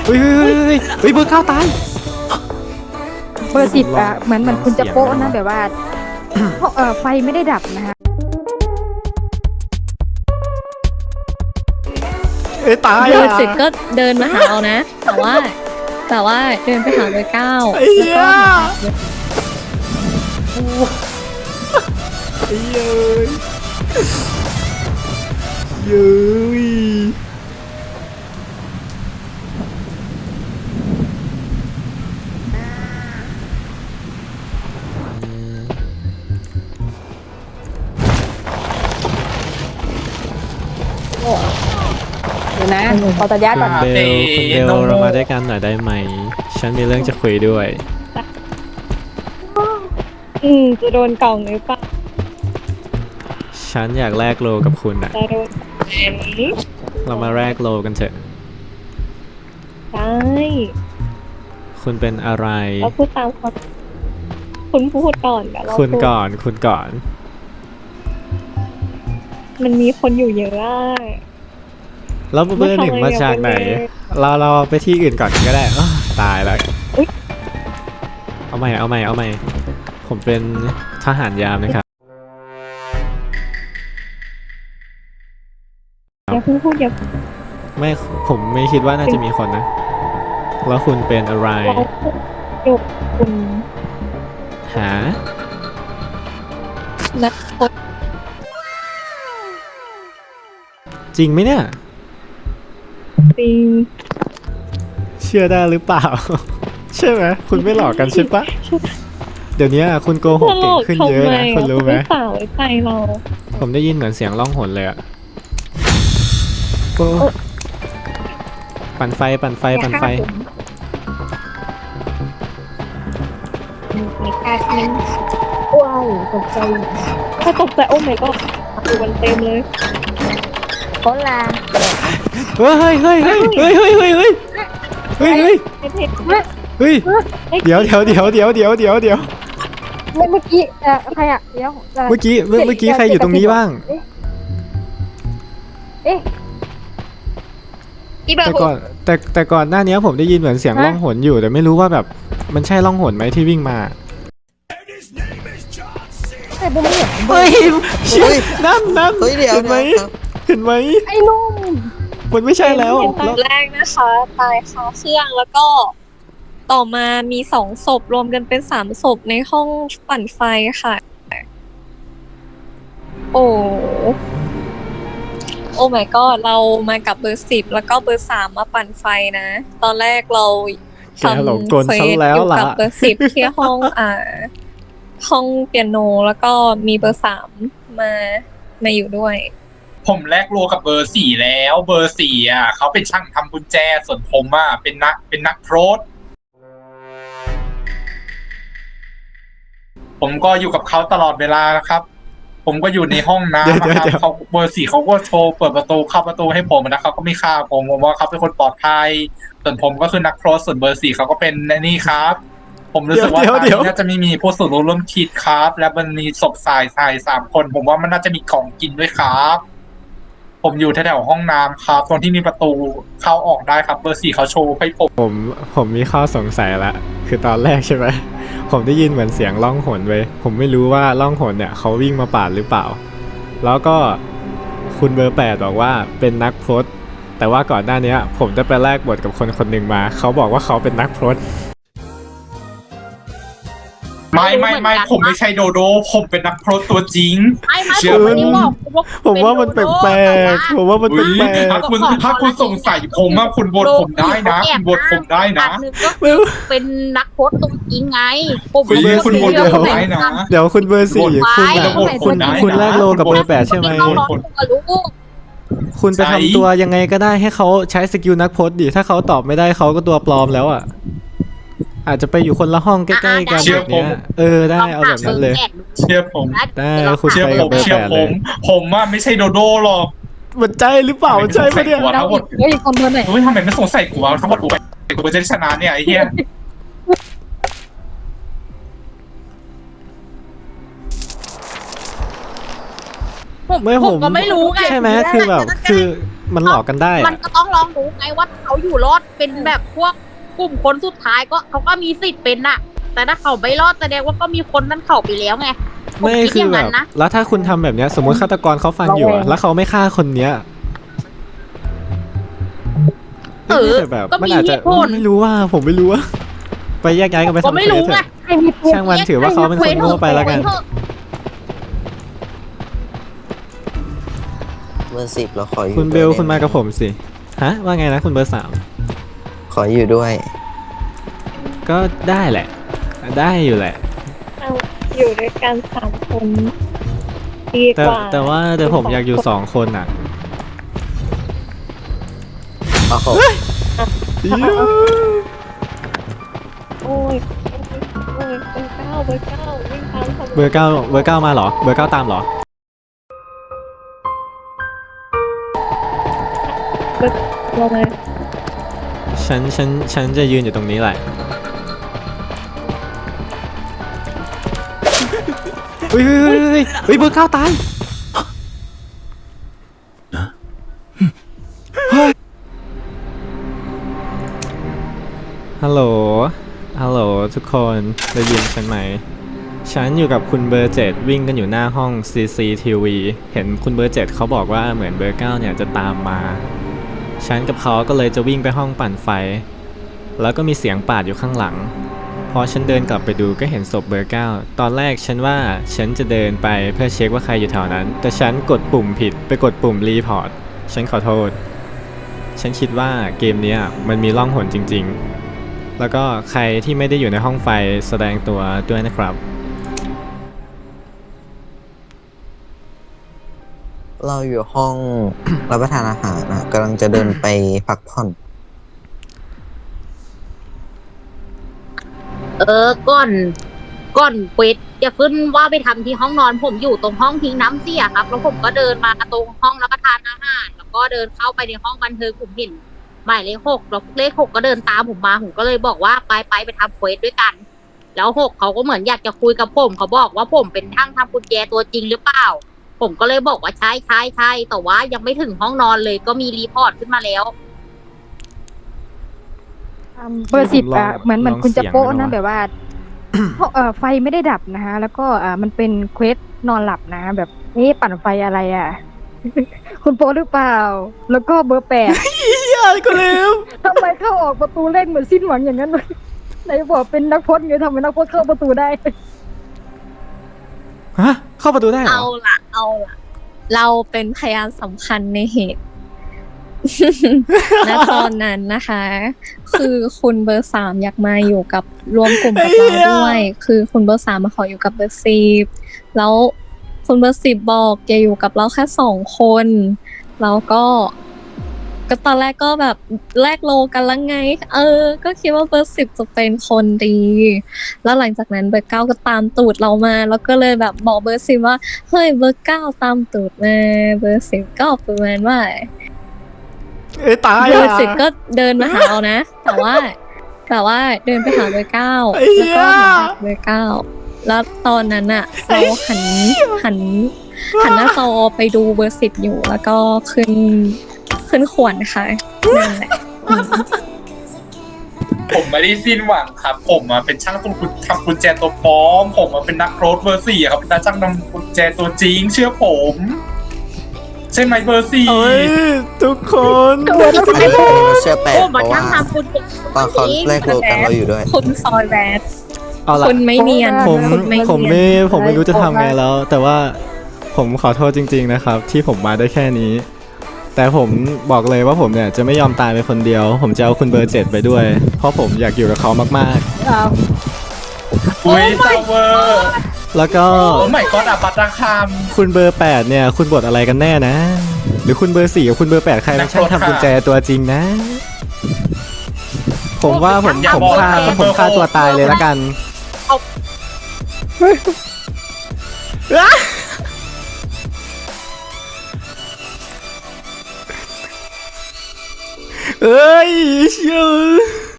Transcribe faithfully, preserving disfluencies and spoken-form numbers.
เฮ้ยเฮ้ยเฮ้ยเฮ้ยเบอร์เก้าตายเบอร์สิบอะเหมือนเหมือนคุณจะโป๊ะนะแบบว่าเออไฟไม่ได้ดับนะคะเอ้ยตายเดินอ่ะเสร็จก็เดินมาหาเรานะ แต่ว่าแต่ว่าเดินไปหาเบอร์เก้าไอ้แล้วเหี้ยก็มาหาเบอร์ไอ้เย้ยเย้ยเดี๋ยวนะขอตัดญาติก่อนคุณเบลคุณเบลเรามาด้วยกันหน่อยได้ไหมฉันมีเรื่องจะคุยด้วยอืมจะโดนกล่องหรือเปล่าฉันอยากแลกโลกับคุณอะจะโดนแอนเรามาแลกโลกันเถอะได้คุณเป็นอะไรเราพูดตามความคุณพูดก่อนเดี๋ยวเราคุณพูดก่อนคุณก่อนมันมีคนอยู่เยอะอะแล้วเบอร์หนึ่งมาจากไหน เราเราไปที่อื่นก่อนก็ได้อ้าวตายแล้ว เอาใหม่เอาใหม่เอาใหม่ผมเป็นทหารยามนะครับอย่าเพิ่งพูดอย่าไม่ผมไม่คิดว่าน่าจะมีคนนะ แล้วคุณเป็นอะไรเราพูดคุณหานักพจน์จริงไหมเนี่ยจริงเชื่อได้หรือเปล่า ใช่ไหมคุณไม่หลอกกันใช่ปะเดี๋ยวนี้คุณโกหกเก่งขึ้นเยอะนะคุณรู้ไหมสาวไว้ใจเราผมได้ยินเหมือนเสียงล่องหนเลยอะโอ้ปั่นไฟปั่นไฟปั่นไฟไม่กล้าทิ้งว้าวตกใจถ้าตกใจโอ้ไม่ก็ดูมันเต็มเลยโคลาเฮ้ยเฮ้ยเฮ้ยเฮ้ยเฮ้ยเฮ้ยเฮ้ยเฮ้ยเฮ้ยเฮ้ยเผ็ดเฮ้ยเดี๋ยวเดี๋ยวเดี๋ยวเดี๋ยวเดี๋ยวเดี๋ยวเดี๋ยวเมื่อกี้เออใครอะเดี๋ยวเมื่อกี้เมื่อเมื่อกี้ใครอยู่ตรงนี้บ้างเอ๊ะอีเบอแต่ร์ก่อนแต่แต่ก่อนหน้านี้ผมได้ยินเหมือนเสียงล่องหนอยู่แต่ไม่รู้ว่าแบบมันใช่ล่องหนไหมที่วิ่งมาแต่ผมไม่เห็นเฮ้ยเชี่ยนั่นนั่นเฮ้ยเดี๋ยวเห็นไหมเดี๋ยวเห็นไหมไอ้นุ่มมันไม่ใช่แล้วเห็นตอนแรกนะคะ ตายคาเครื่องแล้วก็ต่อมามีสองศพรวมกันเป็นสามศพในห้องปั่นไฟค่ะ โอ้โอ้ my god เรามากับเบอร์สิบแล้วก็เบอร์สามมาปั่นไฟนะ ตอนแรกเราแกหลงกลซะแล้วอยู่ล่ะกับเบอร์สิบที่ห้องอ่า ห้องเปียโนแล้วก็มีเบอร์สามมามาอยู่ด้วยผมแลกโลกับเบอร์สี่แล้วเบอร์สี่อ่ะเขาเป็นช่างทำกุญแจส่วนผมอ่ะเป็นนักเป็นนักโทษผมก็อยู่กับเขาตลอดเวลานะครับ ผมก็อยู่ในห้องน้ำนะครับเขาเบอร์สี่เขาก็โชว์เปิดประตูเข้าประตูให้ผมนะเขาก็ไม่ฆ่าผมผมว่าเขาเป็นคนปลอดภัยส่วนผมก็คือนักโทษส่วนเบอร์สี่เขาก็เป็นนี่ครับ ผมรู้สึกว่าตอนนี้น่าจะไม่มีผู้สูญรู้ร่วมคิดครับ และมันมีศพสายสายสามคน ผมว่ามันน่าจะมีของกินด้วยครับ ผมอยู่แถวๆห้องน้ำครับตรงที่มีประตูเข้าออกได้ครับเบอร์สี่เขาโชว์ให้ผมผมผมมีข้อสงสัยละคือตอนแรกใช่ไหมผมได้ยินเหมือนเสียงล่องหนเว้ยผมไม่รู้ว่าล่องหนเนี่ยเขาวิ่งมาปาดหรือเปล่า แล้วก็คุณเบอร์แปดบอกว่าเป็นนักพรตแต่ว่าก่อนหน้านี้ผมจะไปแลกบทกับคนคนหนึ่งมาเขาบอกว่าเขาเป็นนักพรตไม่ไม่ไม่ผมไม่ใช่โดโดผมเป็นนักโทษตัวจริงไม่ไม่เชื่ผอมไหมไม่ได้บอกผมว่ามันแปลกๆผมว่ามันอุ๊ยแปลกถ้าคุณถ้าคุณสงสัยผมว่าคุณบทผมได้นะคุณบทผมได้นะอันหนึ่งก็คือเป็นนักโพสต์ตัวจริงไงผมคุณเบอร์คุณบทเดี๋ยวผมได้นะๆเดี๋ยวคุณเบอร์สี่คุณไปคุณคุณคุณแลกโลกับเบอร์แปดใช่ไหมเราร้อนตัวลูกคุณไปทำตัวยังไงก็ได้ให้เขาใช้สกิลนักพจน์ดิถ้าเขาตอบไม่ได้เขาก็ตัวปลอมแล้วอ่ะอาจจะไปอยู่คนละห้องใกล้ๆกันแบบเนี้ยเออได้เอาแบบนั้นเลยเชื่อผมได้คุณเชื่อไปผกับมเบอร์เชื่อแปดผเลยม ผมว่าไม่ใช่โดโดหรอกมันใจหรือเปล่าใช่ปะเนี่ยหัวทั้งหมดเฮ้ยคนเบอร์ไหนเฮ้ยทำไมไม่สงสัยกูวะทั้งหมดกูไปกูจะได้ชนะเนี่ยไอ้เหี้ยไม่ผผม มก็ไม่รู้ไงใช่ไหมคือแบบคือมันหลอกกันได้มัอะนก็ต้องลองดูไงว่าเขาอยู่รอดเป็นแบบพวกกลุ่มคนสุดท้ายก็เขาก็มีสิทธิ์เป็นน่ะ แต่ถ้าเขาไม่รอดแสดงว่าก็มีคนนั้นเขาไปแล้วไงผไม่ดคืออย่างแบนั้บนนะแล้วถ้าคุณทำแบบเนี้ยสมมติฆาตกรเขาฟังอยู่อะแล้วเขาไม่ฆ่าคนเนี้ยเออแต่แบบก็มันมีอาจเหจะตุผลไม่รู้ว่าผมไม่รู้ว่า ไปแยกย้ายกันไปก็ทำไม่เควรู้สเถไงอะใครมีเควสช่างมันถือว่าเขาเป็นคนโง่ไปแล้วกันเบอร์สิบเราขออยู่คุณเบลด้วยคุณมากับได้ไหผมสิฮะว่าไงนะคุณเบอร์สามขออยู่ด้วยก็ได้แหละ ได้อยู่แหละเอาอยู่ด้วยกันสามคนดีแต่กว่าแต่ว่าแต่ผมอยากอยู่สองคนอ่ะโอ้โหโอ้ยโอ้ยเบอร์เก้าเบอร์เก้าวิ่งตามทำไมเบอร์เก้าเบอร์เก้ามาเหรอ เบอร์เก้าตามเหรอลงมาฉันฉันฉันจะยืนอยู่ตรงนี้แหละเฮ้ยเฮ้ยเฮ้ยเฮ้ยเฮ้ยเบอร์เก้าตายฮัลโหล ฮัลโหลทุกคนได้ยินฉันไหม ฉันอยู่กับคุณเบอร์เจ็ดวิ่งกันอยู่หน้าห้อง ซี ซี ที วี เห็นคุณเบอร์เจ็ดเขาบอกว่าเหมือนเบอร์เก้าเนี่ยจะตามมา ฉันกับเขาก็เลยจะวิ่งไปห้องปั่นไฟ แล้วก็มีเสียงปาดอยู่ข้างหลัง พอฉันเดินกลับไปดูก็เห็นศพเบอร์เก้าตอนแรกฉันว่าฉันจะเดินไปเพื่อเช็คว่าใครอยู่แถวนั้น แต่ฉันกดปุ่มผิดไปกดปุ่มรีพอร์ต ฉันขอโทษ ฉันคิดว่าเกมเนี้ยมันมีล่องหนจริงๆ แล้วก็ใครที่ไม่ได้อยู่ในห้องไฟแสดงตัวด้วยนะครับเราอยู่ห้อง รับประทานอาหารนะกำลังจะเดินไปพักผ่อนเออก่อนก่อนเควสจะขึ้นว่าไปทำที่ห้องนอนผมอยู่ตรงห้องทิ้งน้ำเสียครับ แล้วผมก็เดินมากระตรงห้องรับประทานอาหาร แล้วก็เดินเข้าไปในห้องบันเทิงผมเห็นหมายเลขหกแล้วเลขหกก็เดินตามผมมาผมก็เลยบอกว่าไปไปไปทำเควสด้วยกัน แล้วหกเขาก็เหมือนอยากจะคุยกับผมเขาบอกว่าผมเป็นช่างทำกุญแจตัวจริงหรือเปล่า ผมก็เลยบอกว่าใช่ใช่ใช่แต่ว่ายังไม่ถึงห้องนอนเลยก็มีรีพอร์ตขึ้นมาแล้วเบอร์สิบอ่ะเหมือนเหมือนคุณจะโป๊ะลองเสียงนะดูนะแบบว่า เพราะเอ่อไฟไม่ได้ดับนะคะ แล้วก็อ่ามันเป็นเควสนอนหลับนะ แบบเอ๊ะปั่นไฟอะไรอ่ะ คุณโป๊ะหรือเปล่า แล้วก็เบอร์แปดยายก็เร็วทำไมเข้าออกประตูเร่งเหมือนสิ้นหวังอย่างนั้นเลยไหนบอกเป็นนักพจน์ไงทำไมนักพจน์เข้าประตูได้ฮะ เข้าประตูได้เหรเอาอละเอาละเราเป็นพยานสำคัญในเหตุ ณตอนนั้นนะคะ คือคุณเบอร์สามอยากมาอยู่กับรวมกลุ่มกับเราด้วย คือคุณเบอร์สามมาขออยู่กับเบอร์สิบแล้วคุณเบอร์สิบบอกจะอยู่กับเราแค่สองคนแล้วก็ก็ตอนแรกก็แบบแลกโลกันแล้วไง เออ ก็คิดว่าเบอร์สิบจะเป็นคนดี แล้วหลังจากนั้นเบอร์เก้าก็ตามตูดเรามา แล้วก็เลยแบบบอกเบอร์สิบว่าเฮ้ยเบอร์เก้าตามตูดมาเบอร์สิบก็ประมาณว่าเอ้ยตายเบออ่ะร์สิบก็เดินมาหาเรานะ แต่ว่าแต่ว่าเดินไปหาเบอร์เก้าไอ้แล้วเหี้ยก็มาหาเบอร์เก้าแล้วตอนนั้นอะเราหันหันหันหน้าจอไปดูเบอร์สิบอยู่ แล้วก็ขึ้นขึ้นขวนค่ะนั่นแหละอืมผมไม่ได้สิ้นหวังครับ ผมอะเป็นช่างตุ้กุญทำกุญแจตัวปลอม ผมอะเป็นนักโรดเบอร์สี่อะครับเป็นนักช่างทำกุญแจตัวจริง เชื่อผม ใช่ไหมเบอร์สี่เอ้ยทุกคนตัวแล้วอันนี้เราเชื่อแปดโอ้เพมาราะช่าว่างทำคุณตอนเขาแรกโลกันเราอยู่ด้วยคุณซอยแวดเอาละคุณไม่เนียนผมคุณไม่ผมเนียนไม่ผมไม่รู้จะทำไงแล้ว แต่ว่าผมขอโทษจริง ๆนะครับ ที่ผมมาได้แค่นี้ แต่ผมบอกเลยว่าผมเนี่ยจะไม่ยอมตายไปคนเดียว ผมจะเอาคุณเบอร์เจ็ดไปด้วย เพราะผมอยากอยู่กับเขามากอ้าวอุ้ยซาวเวอร์ๆ แล้วก็โอ้ไม่ก็อับปัตราคามคุณเบอร์แปดเนี่ย คุณบทอะไรกันแน่นะ หรือคุณเบอร์สี่กับคุณเบอร์แปดใครเป็นช่างทำกุญแจตัวจริงนะ ผมว่าผมผมฆ่าผมฆ่าตัวตายเลยละกันเอ้ยเชื่อ